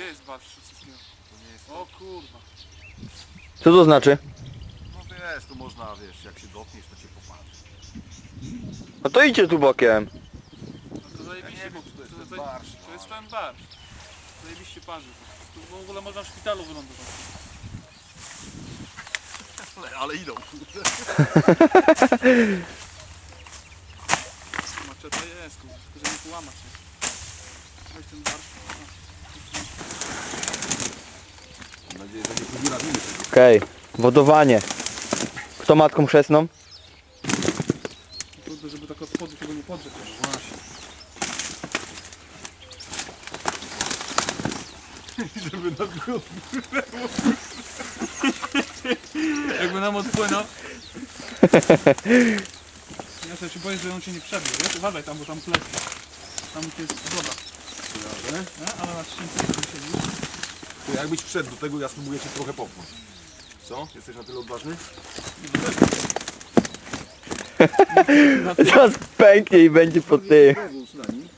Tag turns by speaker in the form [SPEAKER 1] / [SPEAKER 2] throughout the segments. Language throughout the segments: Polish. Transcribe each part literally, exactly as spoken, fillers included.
[SPEAKER 1] Gdzie jest barsz wszystkiego?
[SPEAKER 2] To nie jest
[SPEAKER 1] O kurwa.
[SPEAKER 3] Co to znaczy?
[SPEAKER 2] No wiesz, tu można, wiesz, jak się dotkniesz, to cię popatrzy.
[SPEAKER 3] No to idźcie tu bokiem.
[SPEAKER 1] No to zajebiście,
[SPEAKER 2] Ja nie
[SPEAKER 1] bo
[SPEAKER 2] wiem, czy to jest
[SPEAKER 1] to,
[SPEAKER 2] ten
[SPEAKER 1] to,
[SPEAKER 2] barsz,
[SPEAKER 1] to jest
[SPEAKER 2] ale-
[SPEAKER 1] ten barsz. Zajebiście parzy. Tu w ogóle można w szpitalu wylądować.
[SPEAKER 2] Ale, ale idą, kurde.
[SPEAKER 1] Maczeta jest, kurde, tylko że nie połamać się. Weź ten barsz.
[SPEAKER 2] Mam nadzieję, że nie podziurawimy tego.
[SPEAKER 3] Okej, wodowanie. Kto matką chrzestną?
[SPEAKER 1] Trudno, żeby tak od spodu tego nie podrzeć.
[SPEAKER 2] Właśnie. Żeby nam go...
[SPEAKER 1] Jakby nam odpłynął. Ja sobie się boję, że on się nie przebił, wiesz? Uważaj tam, bo tam pleci. Tam jest woda.
[SPEAKER 2] Kojarzę?
[SPEAKER 1] Nie? Ale na trzcince siedzi.
[SPEAKER 2] To jakbyś wszedł do tego, ja spróbuję cię trochę popchnąć. Co? Jesteś na tyle odważny?
[SPEAKER 3] Zaraz pęknie i będzie po tym.
[SPEAKER 2] Wąż na nim.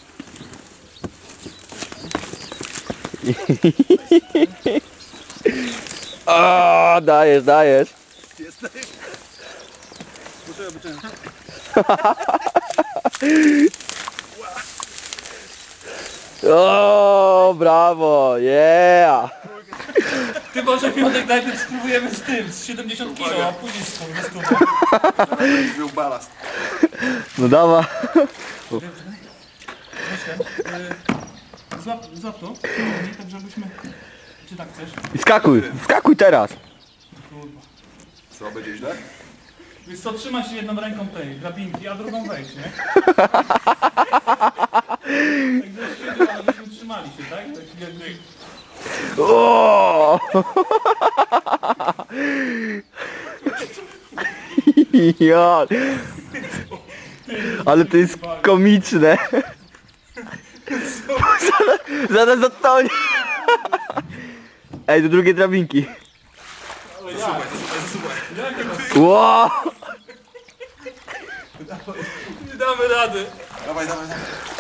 [SPEAKER 3] O, dajesz, dajesz.
[SPEAKER 2] Jesteś?
[SPEAKER 1] Poczekaj, by ten.
[SPEAKER 3] O, brawo, yeah.
[SPEAKER 1] Ty może Piotrek najpierw spróbujemy z tym, z siedemdziesiąt kilo, a później z tą stówą.
[SPEAKER 2] Będziesz miał balast.
[SPEAKER 3] No dawa.
[SPEAKER 1] Złap, złap to, tak żebyśmy... Czy tak chcesz?
[SPEAKER 3] I skakuj, skakuj teraz.
[SPEAKER 1] Kurwa.
[SPEAKER 2] Co, będzie źle?
[SPEAKER 1] Więc co, trzymaj się jedną ręką tej drabinki, a drugą wejdź, nie? Tak żeś siedział, ale byśmy trzymali się, tak? Tak jakby...
[SPEAKER 3] O! Ja. Ale to jest komiczne. Zaraz, zaraz zatonie. Ej, do drugiej drabinki.
[SPEAKER 1] Ale jak? Jakie masz?
[SPEAKER 3] Wow.
[SPEAKER 1] Nie damy rady.
[SPEAKER 2] Dawaj, dawaj, dawaj.